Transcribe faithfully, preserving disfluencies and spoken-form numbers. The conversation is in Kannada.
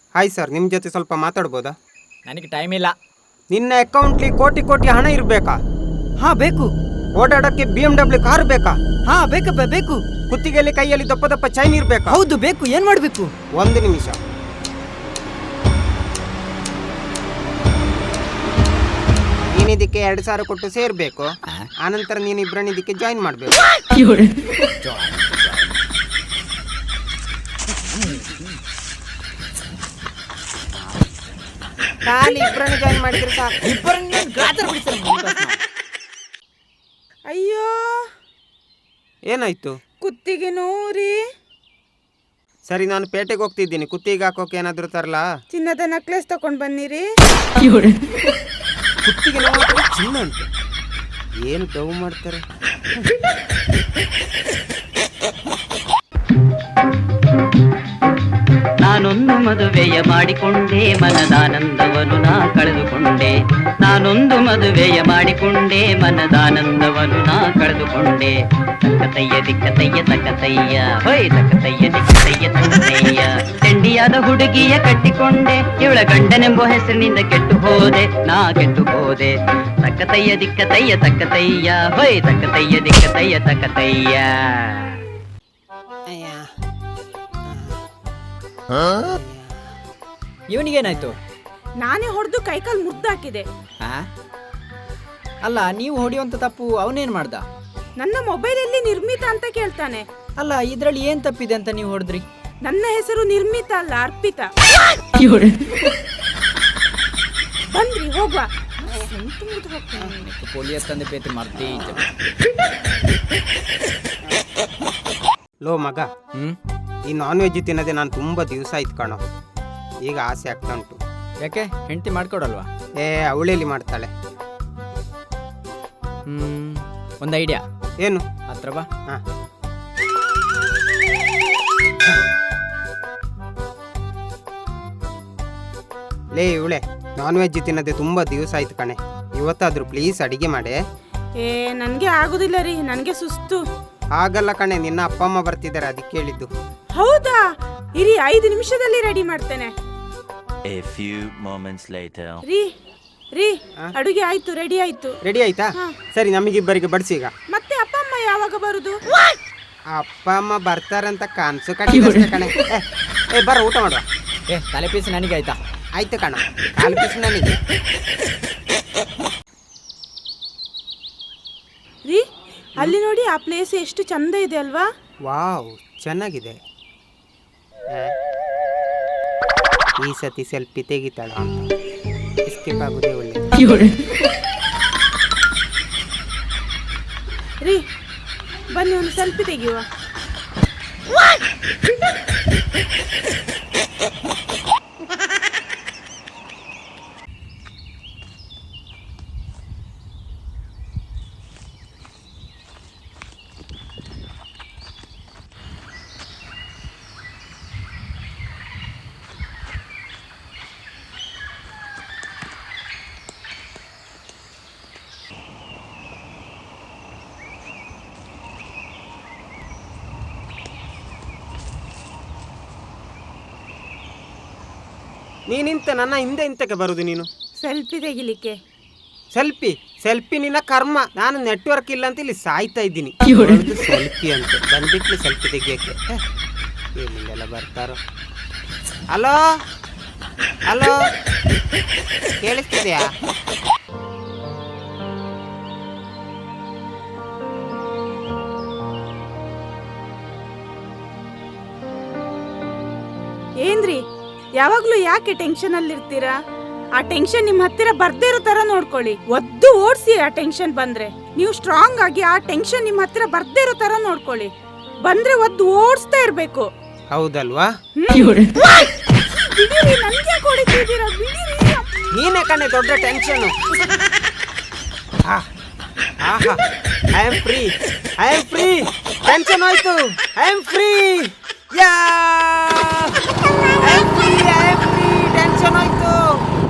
ಹಾಯ್ ಸರ್, ನಿಮ್ಮ ಜೊತೆ ಸ್ವಲ್ಪ ಮಾತಾಡ್ಬೋದಾ? ನನಗೆ ಟೈಮ್ ಇಲ್ಲ. ನಿನ್ನ ಅಕೌಂಟ್ಲಿ ಕೋಟಿ ಕೋಟಿ ಹಣ ಇರಬೇಕಾ? ಹಾ ಬೇಕು. ಓಡಾಡಕ್ಕೆ ಬಿ ಎಂ ಡಬ್ಲ್ಯೂ ಕಾರ್ ಬೇಕಾ? ಹಾ ಬೇಕಪ್ಪ ಬೇಕು. ಕುತ್ತಿಗೆಯಲ್ಲಿ ಕೈಯಲ್ಲಿ ದಪ್ಪ ದಪ್ಪ ಚೈನ್ ಇರ್ಬೇಕಾ? ಹೌದು ಬೇಕು. ಏನ್ ಮಾಡ್ಬೇಕು? ಒಂದು ನಿಮಿಷ. ನೀನಿದಕ್ಕೆ ಎರಡು ಸಾವಿರ ಕೊಟ್ಟು ಸೇರ್ಬೇಕು. ಆನಂತರ ನೀನು ಇಬ್ಬರನ್ನ ಇದಕ್ಕೆ ಜಾಯಿನ್ ಮಾಡ್ಬೇಕು. ಖಾಲಿ ಇಬ್ಬರನ್ನ ಜಾಯಿನ್ ಮಾಡಿದ್ರೆ ಸಾಕು. ಇಬ್ಬರನ್ನ ಗಾತ್ರ ಬಿಡಿಸ್ತಾರೆ. ಅಯ್ಯೋ ಏನಾಯ್ತು? ಕುತ್ತಿಗೆ ನೋರಿ. ಸರಿ, ನಾನು ಪೇಟೆಗೆ ಹೋಗ್ತಿದ್ದೀನಿ. ಕುತ್ತಿಗೆ ಹಾಕೋಕೆ ಏನಾದ್ರು ತರಲಾ? ಚಿನ್ನದ ನೆಕ್ಲೆಸ್ ತಕೊಂಡ್ ಬನ್ನಿರಿ. ಕುತ್ತಿಗೆ ನೋವು ಚಿನ್ನ ಅಂತ ಏನು ಡವ್ ಮಾಡ್ತಾರೆ. ನಾನೊಂದು ಮದುವೆಯ ಮಾಡಿಕೊಂಡೆ, ಮನದಾನಂದವನ್ನು ನಾ ಕಳೆದುಕೊಂಡೆ. ನಾನೊಂದು ಮದುವೆಯ ಮಾಡಿಕೊಂಡೆ, ಮನದಾನಂದವನ್ನು ನಾ ಕಳೆದುಕೊಂಡೆ. ತಕ್ಕತಯ್ಯ ದಿಕ್ಕತಯ್ಯ ತಕ್ಕತಯ್ಯ, ಹೊಯ್ ತಕ್ಕತಯ್ಯ ದಿಕ್ಕತಯ್ಯ ತಕ್ಕತಯ್ಯ. ಚಂಡಿಯಾದ ಹುಡುಗಿಯ ಕಟ್ಟಿಕೊಂಡೆ, ಇವಳ ಗಂಡನೆಂಬ ಹೆಸರಿನಿಂದ ಕೆಟ್ಟು ಹೋದೆ, ನಾ ಕೆಟ್ಟು ಹೋದೆ. ತಕ್ಕತಯ್ಯ ದಿಕ್ಕತಯ್ಯ ತಕ್ಕತಯ್ಯ, ಹೊಯ್ ತಕ್ಕತಯ್ಯ ದಿಕ್ಕತಯ್ಯ ತಕ್ಕತಯ್ಯ. ಇವನಿಗೇನಾಯ್ತು? ನಾನೇ ಹೊಡೆದು ಕೈಕಾಲು ಮುರ್ದಾಕಿದೆ. ಹಾ ಅಲ್ಲ, ನೀವು ಹೊಡೆಯುವಂತ ತಪ್ಪು ಅವನೇನ್ ಮಾಡ್ದ? ನನ್ನ ಮೊಬೈಲಲ್ಲಿ ನಿರ್ಮಿತ ಅಂತ ಕೇಳ್ತಾನೆ. ಅಲ್ಲ, ಇದ್ರಲ್ಲಿ ಏನ್ ತಪ್ಪಿದೆ ಅಂತ ನೀವು ಹೊಡೆದ್ರಿ? ನನ್ನ ಹೆಸರು ನಿರ್ಮಿತ ಅಲ್ಲ, ಅರ್ಪಿತ. ಬಂದ್ರಿ ಹೋಗುವ. ಪೊಲೀಸ್ ತಂದೆ ಪೇತಿ ಮಾಡ್ತಿ. ಲೋ ಮಗ, ಹ್ಮ್ ಈ ನಾನ್ ವೆಜ್ ತಿನ್ನೋದೇ ನಾನು ತುಂಬ ದಿವಸ ಆಯ್ತು ಕಾಣೋ. ಈಗ ಆಸೆ ಆಗ್ತಾ ಉಂಟು. ಯಾಕೆ ಹೆಂಡತಿ ಮಾಡ್ಕೊಡಲ್ವಾ? ಏ, ಅವಳೇಲಿ ಮಾಡ್ತಾಳೆ. ಹ್ಮ್ ಒಂದು ಐಡಿಯಾ. ಏನು? ಹತ್ರ ಬಾ. ಹಾ, ಲೇ ಇವಳೆ, ನಾನ್ ವೆಜ್ ತಿನ್ನೋದೇ ತುಂಬ ದಿವಸ ಆಯ್ತು ಕಣೆ. ಇವತ್ತಾದ್ರೂ ಪ್ಲೀಸ್ ಅಡಿಗೆ ಮಾಡೆ. ಏ ನನ್ಗೆ ಆಗುದಿಲ್ಲ ರೀ, ನನ್ಗೆ ಸುಸ್ತು. ಆಗಲ್ಲ ಕಣೆ, ನಿನ್ನ ಅಪ್ಪ ಅಮ್ಮ ಬರ್ತಿದ್ದಾರೆ, ಅದಕ್ಕೆ ಹೇಳಿದ್ದು. ಹೌದಾ? ಇರಿ, ಐದು ನಿಮಿಷದಲ್ಲಿ ರೆಡಿ ಮಾಡ್ತೇನೆ. A few moments later. ರೀ ರೀ ಅಡುಗೆ ಆಯ್ತು, ರೆಡಿ ಆಯ್ತು. ರೆಡಿ ಆಯ್ತಾ? ಸರಿ, ನಮಗಿಬ್ಬರಿಗೆ ಬಡಿಸಿ ಈಗ. ಮತ್ತೆ ಅಪ್ಪ ಅಮ್ಮ ಯಾವಾಗ ಬರುದು? ಅಪ್ಪ ಅಮ್ಮ ಬರ್ತಾರಂತ ಕಾನ್ಸು ಕಟ್ಟಿದ್ರೆ ಕಣೆ. ಏ, ಏ ಬರ, ಊಟ ಮಾಡುವ. ಏ ತಲೆ ಪೀಸ್ ನನಗೆ ಆಯ್ತಾ? ಆಯ್ತು ಕಣ, ಕಾಲು ಪೀಸ್ ನನಗೆ. ರೀ ಅಲ್ಲಿ ನೋಡಿ, ಆ ಪ್ಲೇಸ್ ಎಷ್ಟು ಚಂದ ಇದೆ ಅಲ್ವಾ? ವಾವ್, ಚೆನ್ನಾಗಿದೆ. ಈ ಸತಿ ಸೆಲ್ಫಿ ತೆಗಿತಾಳ ಅಂತ ಎಸ್ಕೇಪ್ ಆಗುದೇ ಒಳ್ಳೆ. ರೀ ಬನ್ನಿ, ಒಂದು ಸೆಲ್ಫಿ ತೆಗೆಯುವ. ನೀನಿಂತ ನನ್ನ ಹಿಂದೆ ಇಂತಕ್ಕೆ ಬರುದು ನೀನು? ಸೆಲ್ಫಿ ತೆಗಿಲಿಕ್ಕೆ. ಸೆಲ್ಫಿ ಸೆಲ್ಫಿ ನಿನ್ನ ಕರ್ಮ. ನಾನು ನೆಟ್ವರ್ಕ್ ಇಲ್ಲ ಅಂತ ಇಲ್ಲಿ ಸಾಯ್ತಾ ಇದ್ದೀನಿ. ಸೆಲ್ಫಿ ಅಂತ ಬಂದ್ಬಿಟ್ಲಿ ಸೆಲ್ಫಿ ತೆಗಿಯಕ್ಕೆ. ಏನಿಲ್ಲ ಬರ್ತಾರೋ. ಹಲೋ ಹಲೋ, ಕೇಳಿಸ್ತಿದ್ಯಾ? ಏನ್ರಿ ಯಾವಾಗ್ಲೂ ಯಾಕೆ ಟೆನ್ಷನ್ ಅಲ್ಲಿ ಇರ್ತೀರಾ? ಆ ಟೆನ್ಷನ್ ನಿಮ್ ಹತ್ತಿರ ಬರ್ದೇ ಇರೋ ತರ ನೋಡ್ಕೊಳ್ಳಿ. ಒದ್ದು ಓಡಿಸಿ. ಆ ಟೆನ್ಷನ್ ಬಂದ್ರೆ ನೀವು ಸ್ಟ್ರಾಂಗ್ ಆಗಿ ಆ ಟೆನ್ಷನ್ ನಿಮ್ ಹತ್ತಿರ ಬರ್ದೇ ಇರೋ ತರ ನೋಡ್ಕೊಳ್ಳಿ. ಬಂದ್ರೆ ಒದ್ದು ಓಡಿಸ್ತಾ ಇರ್ಬೇಕು. ಹೌದಲ್ವಾ? ಬಿಡಿರಿ, ನನ್ಗೆ ಕೊಡಿತಿದ್ದೀರಾ? ಬಿಡಿರಿ. ನೀನೇ ಕಣೆ ದೊಡ್ಡ ಟೆನ್ಷನ್. ಆಹಾ, I am free, I am free. Tension ಆಯ್ತು, ಐ ಆಮ್ ಫ್ರೀ. ಯಾ